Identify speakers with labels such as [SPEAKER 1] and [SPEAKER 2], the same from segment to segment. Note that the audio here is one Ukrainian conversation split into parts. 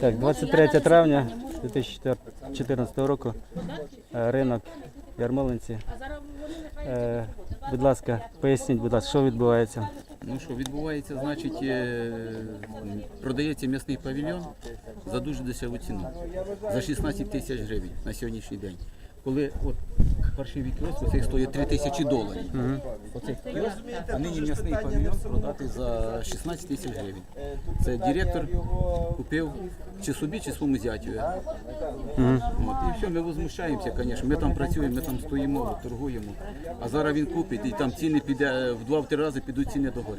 [SPEAKER 1] Так, 23 травня 2014 року, ринок Ярмолинці. Будь ласка, поясніть, будь ласка, що відбувається?
[SPEAKER 2] Ну що, відбувається, значить, продається м'ясний павільйон за дуже дешеву ціну, за 16 тисяч гривень на сьогоднішній день. Коли от паршивий кіоск, цей стоїть $3000. Оцей кіоск, а нині м'ясний павільйон продати за 16 тисяч гривень. Це директор купив чи собі, чи своєму зятю. От, і все, ми возмущаємося, звісно. Ми там працюємо, ми там стоїмо, торгуємо. А зараз він купить і там ціни піде, в 2-3 рази підуть ціни догори.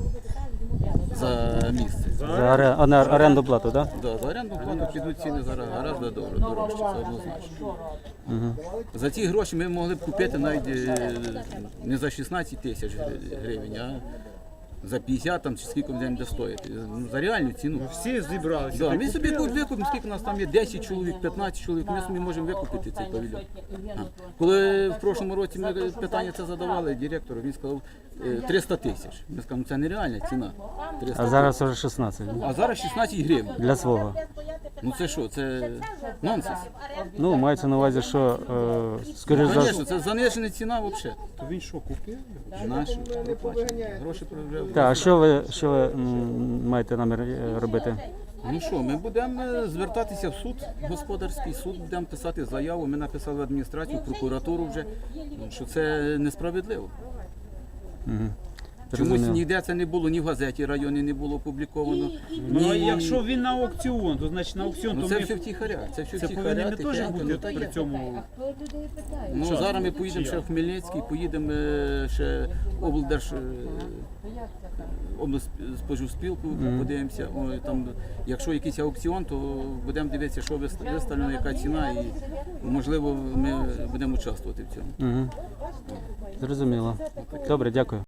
[SPEAKER 2] За місце.
[SPEAKER 1] За оренду плату, так?
[SPEAKER 2] Да, за оренду плату підуть ціни зараз гораздо дорожче, це однозначно. За ці гроші ми могли б купити навіть не за 16 тисяч гривень, а за 50 там, чи скільки він буде стоїти. За реальну ціну.
[SPEAKER 3] Всі зібралися.
[SPEAKER 2] Да, ми собі тут викупимо, скільки у нас там є, 10 чоловік, 15 чоловік, ми собі можемо викупити цей павільйон. Коли в прошлому році ми питання це задавали директору, він сказав 300 тисяч. Ми сказали, це нереальна ціна. 300
[SPEAKER 1] А зараз вже 16
[SPEAKER 2] А зараз 16 гривень.
[SPEAKER 1] для свого.
[SPEAKER 2] Ну це що, це нонсенс.
[SPEAKER 1] Ну, мається на увазі, що, скоріш за
[SPEAKER 2] Звісно, це занижена ціна взагалі.
[SPEAKER 3] То він що, купив?
[SPEAKER 2] Наші гроші проявляли.
[SPEAKER 1] Так, а що ви маєте намір робити?
[SPEAKER 2] Ну що, ми будемо звертатися в суд, господарський суд, будемо писати заяву. Ми написали в адміністрацію, в прокуратуру вже, що це несправедливо. Чомусь
[SPEAKER 1] Зрозуміло.
[SPEAKER 2] ніде це не було, ні в газеті районі не було опубліковано.
[SPEAKER 3] Ну, а
[SPEAKER 2] ні...
[SPEAKER 3] якщо він на аукціон, то значить на аукціон,
[SPEAKER 2] Ну
[SPEAKER 3] то
[SPEAKER 2] це
[SPEAKER 3] ми...
[SPEAKER 2] все втіхаря, це все
[SPEAKER 3] Це
[SPEAKER 2] втіхаря,
[SPEAKER 3] повинні ми теж
[SPEAKER 2] тихенько,
[SPEAKER 3] бути
[SPEAKER 2] ну, та
[SPEAKER 3] при
[SPEAKER 2] є.
[SPEAKER 3] цьому.
[SPEAKER 2] Ну, зараз ми поїдемо ще в Хмельницький, поїдемо ще облспоживспілку, подивимося. Ой, там, якщо якийсь аукціон, то будемо дивитися, що виставлено, яка ціна, і можливо ми будемо участвувати в цьому.
[SPEAKER 1] Зрозуміло. Добре, дякую.